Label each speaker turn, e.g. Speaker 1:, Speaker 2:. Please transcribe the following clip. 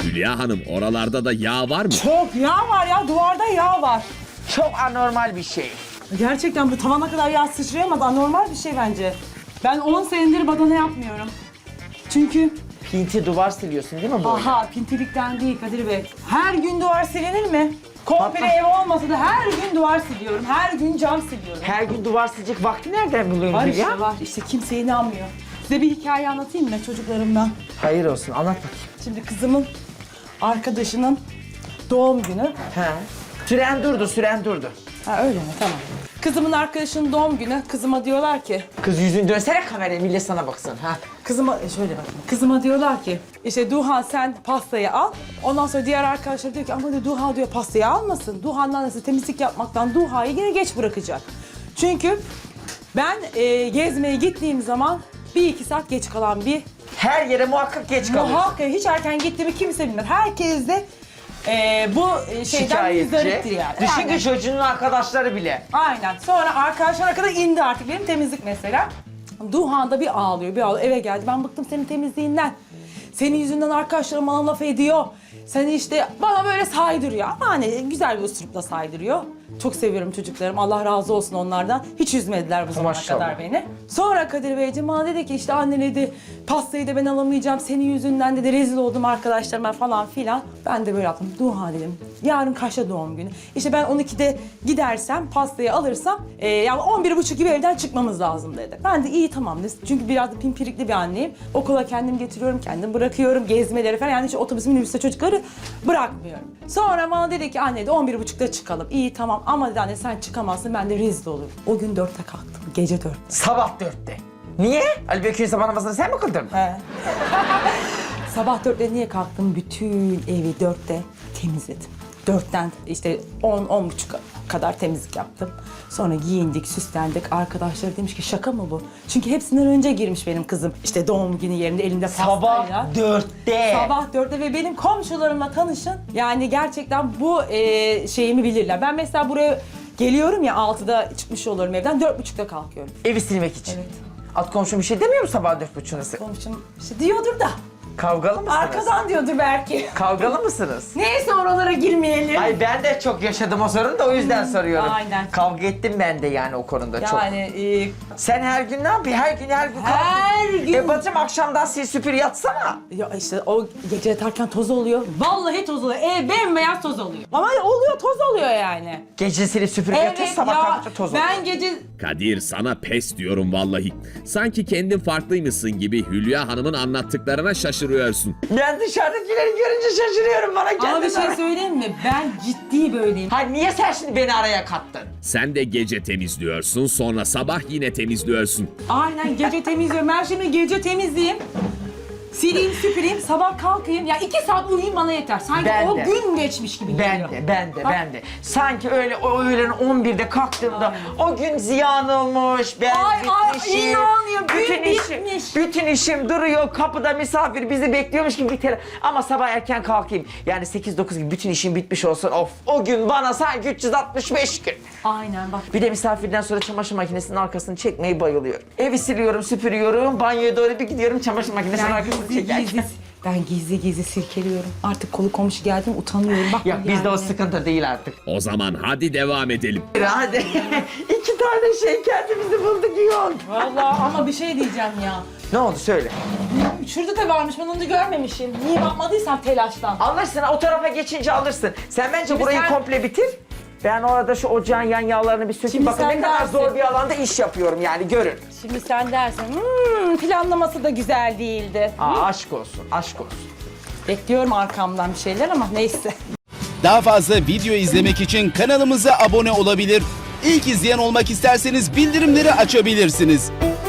Speaker 1: Hülya Hanım, oralarda da yağ var mı?
Speaker 2: Çok yağ var ya, duvarda yağ var.
Speaker 3: Çok anormal bir şey.
Speaker 2: Gerçekten bu tavana kadar yağ sıçrayamaz. Anormal bir şey bence. Ben 10 senedir badana yapmıyorum. Çünkü
Speaker 3: Pinti duvar siliyorsun değil mi bu?
Speaker 2: aha pintilikten değil Kadir Bey. Her gün duvar silinir mi? Komple
Speaker 3: Hatta-
Speaker 2: ev olmasa da her gün duvar siliyorum. Her gün cam siliyorum.
Speaker 3: Her gün duvar silecek vakti nereden buluyorsun
Speaker 2: Var
Speaker 3: Hülya?
Speaker 2: işte var. İşte kimse inanmıyor. Size bir hikaye anlatayım mı çocuklarımdan?
Speaker 3: Hayır olsun, anlat bakayım.
Speaker 2: Şimdi kızımın arkadaşının doğum günü.
Speaker 3: He. Süren durdu.
Speaker 2: Ha öyle mi? Tamam. Kızımın arkadaşının doğum günü. Kızıma diyorlar ki,
Speaker 3: Kız yüzünü dönsene kameraya, millet sana baksın. Ha.
Speaker 2: kızıma şöyle bakın. Kızıma diyorlar ki, işte Duhan sen pastayı al. Ondan sonra diğer arkadaşlar diyor ki ama diyor, Duha diyor pastayı almasın. Duhan'ın annesi temizlik yapmaktan Duha'yı yine geç bırakacak. Çünkü ben gezmeye gittiğim zaman 1-2 saat geç kalan bir
Speaker 3: Her yere muhakkak geç kalıyorsun.
Speaker 2: muhakkak hiç erken gittiğimi kimse bilmez. Herkes de bu şeyden müzdariptir yani.
Speaker 3: Düşün
Speaker 2: Aynen.
Speaker 3: ki çocuğunun arkadaşları bile.
Speaker 2: Aynen. Sonra arkadaşlara kadar indi artık benim temizlik mesela. Duhan da bir ağlıyor, bir ağlıyor. Eve geldi. Ben bıktım senin temizliğinden. Senin yüzünden arkadaşlarım bana laf ediyor. Seni işte bana böyle saydırıyor. Ama hani güzel bir üslupla saydırıyor. Çok seviyorum çocuklarım. Allah razı olsun onlardan. Hiç üzmediler bu zamana
Speaker 3: Maşallah.
Speaker 2: kadar beni. Sonra Kadir Beyciğim bana dedi ki işte anne dedi pastayı da ben alamayacağım. Senin yüzünden dedi rezil oldum arkadaşlarıma falan filan. Ben de böyle yaptım. Duha dedim. Yarın kaçta doğum günü? İşte ben 12'de gidersem pastayı alırsam yani 11.30 gibi evden çıkmamız lazım dedi. Ben de iyi tamam dedim. Çünkü biraz da pimpirikli bir anneyim. Okula kendim getiriyorum, kendim bırakıyorum. Gezmeleri falan yani hiç otobüs minibüste çocukları bırakmıyorum. Sonra bana dedi ki anne de 11.30'da çıkalım. İyi tamam ama dedi anne sen çıkamazsın ben de rezil olurum. O gün 4'te kalktım. Gece 4'te.
Speaker 3: Sabah 4'te. Niye? Ali Bekir'in sabah namazını sen mi kıldın?
Speaker 2: He. Sabah 4'te niye kalktım? Bütün evi 4'te temizledim. 4'ten işte 10-10.30 kadar temizlik yaptım. Sonra giyindik, süslendik. Arkadaşlar demiş ki şaka mı bu? Çünkü hepsinden önce girmiş benim kızım. İşte doğum günü yerinde elinde pastayla.
Speaker 3: Sabah 4'te.
Speaker 2: Sabah 4'te ve benim komşularımla tanışın. Yani gerçekten bu şeyimi bilirler. Ben mesela buraya geliyorum ya 6'da çıkmış olurum evden. 4.30'da kalkıyorum.
Speaker 3: Evi silmek için.
Speaker 2: Evet.
Speaker 3: Alt komşum bir şey demiyor mu sabah 4.30'da?
Speaker 2: Komşum işte diyordur da.
Speaker 3: Kavgalı mısınız?
Speaker 2: Arkadan diyordur belki.
Speaker 3: Kavgalı mısınız?
Speaker 2: Neyse oralara girmeyelim.
Speaker 3: Ay ben de çok yaşadım o sorunu da o yüzden soruyorum.
Speaker 2: aynen.
Speaker 3: Kavga ettim ben de yani o konuda çok.
Speaker 2: Yani
Speaker 3: Sen her gün ne yapıyorsun? Her gün
Speaker 2: her
Speaker 3: kavga.
Speaker 2: gün.
Speaker 3: Bacım akşamdan sil süpür yatsana.
Speaker 2: Ya işte o gece yatarken toz oluyor. Vallahi toz oluyor. Bembeyaz toz oluyor. Ama oluyor toz oluyor yani.
Speaker 3: Gece silip süpürüp yatıyorsun sabah kalkınca toz oluyor.
Speaker 2: ben gece
Speaker 1: Kadir, sana pes diyorum vallahi. Sanki kendin farklıymışsın gibi Hülya Hanım'ın anlattıklarına şaşırıyorsun.
Speaker 3: Ben dışarıdakileri görünce şaşırıyorum bana
Speaker 2: ama
Speaker 3: kendime.
Speaker 2: bir şey söyleyeyim mi? Ben ciddi böyleyim.
Speaker 3: Hayır niye sen şimdi beni araya kattın?
Speaker 1: Sen de gece temizliyorsun, sonra sabah yine temizliyorsun.
Speaker 2: Aynen gece temizliyorum. Ben şimdi gece temizleyeyim. Sileyim, süpüreyim, sabah kalkayım. Ya 2 saat uyuyayım bana yeter. Sanki
Speaker 3: Ben
Speaker 2: o
Speaker 3: de.
Speaker 2: gün geçmiş gibi geliyor. Bak,
Speaker 3: Ben de. Sanki öyle o öğlen 11'de kalktığımda o gün ziyan olmuş, ben
Speaker 2: Ay,
Speaker 3: bitmişim.
Speaker 2: inanmıyorum, gün
Speaker 3: bütün
Speaker 2: bitmiş.
Speaker 3: Bütün işim duruyor, kapıda misafir bizi bekliyormuş gibi biter. Ama sabah erken kalkayım. Yani 8-9 gibi bütün işim bitmiş olsun. Of, o gün bana sanki 365 gün.
Speaker 2: Aynen bak.
Speaker 3: Bir de misafirden sonra çamaşır makinesinin arkasını çekmeyi bayılıyorum. Evi siliyorum, süpürüyorum, banyoya doğru bir gidiyorum, çamaşır makinesinin arkasını çekerken.
Speaker 2: Ben gizli silkeliyorum. Artık kolu komşu geldim utanıyorum. Bak
Speaker 3: Yok bizde o sıkıntı değil artık.
Speaker 1: O zaman hadi devam edelim.
Speaker 3: Hadi. 2 tane şey kendimizi bulduk iyi oldu.
Speaker 2: Vallahi ama bir şey diyeceğim ya.
Speaker 3: Ne oldu söyle.
Speaker 2: Şurada da varmış ben onu da görmemişim. Niye bakmadıysam telaştan.
Speaker 3: Alırsın o tarafa geçince alırsın. Sen bence
Speaker 2: Şimdi
Speaker 3: burayı
Speaker 2: sen-
Speaker 3: komple bitir. Ben orada şu ocağın yan yağlarını bir sökeyim.
Speaker 2: Şimdi
Speaker 3: Bakın
Speaker 2: sen
Speaker 3: ne kadar
Speaker 2: dersin.
Speaker 3: zor bir alanda iş yapıyorum yani görün.
Speaker 2: Şimdi sen dersin planlaması da güzel değildi.
Speaker 3: Aa, aşk olsun, aşk olsun.
Speaker 2: Bekliyorum arkamdan bir şeyler ama neyse.
Speaker 4: Daha fazla video izlemek için kanalımıza abone olabilir. İlk izleyen olmak isterseniz bildirimleri açabilirsiniz.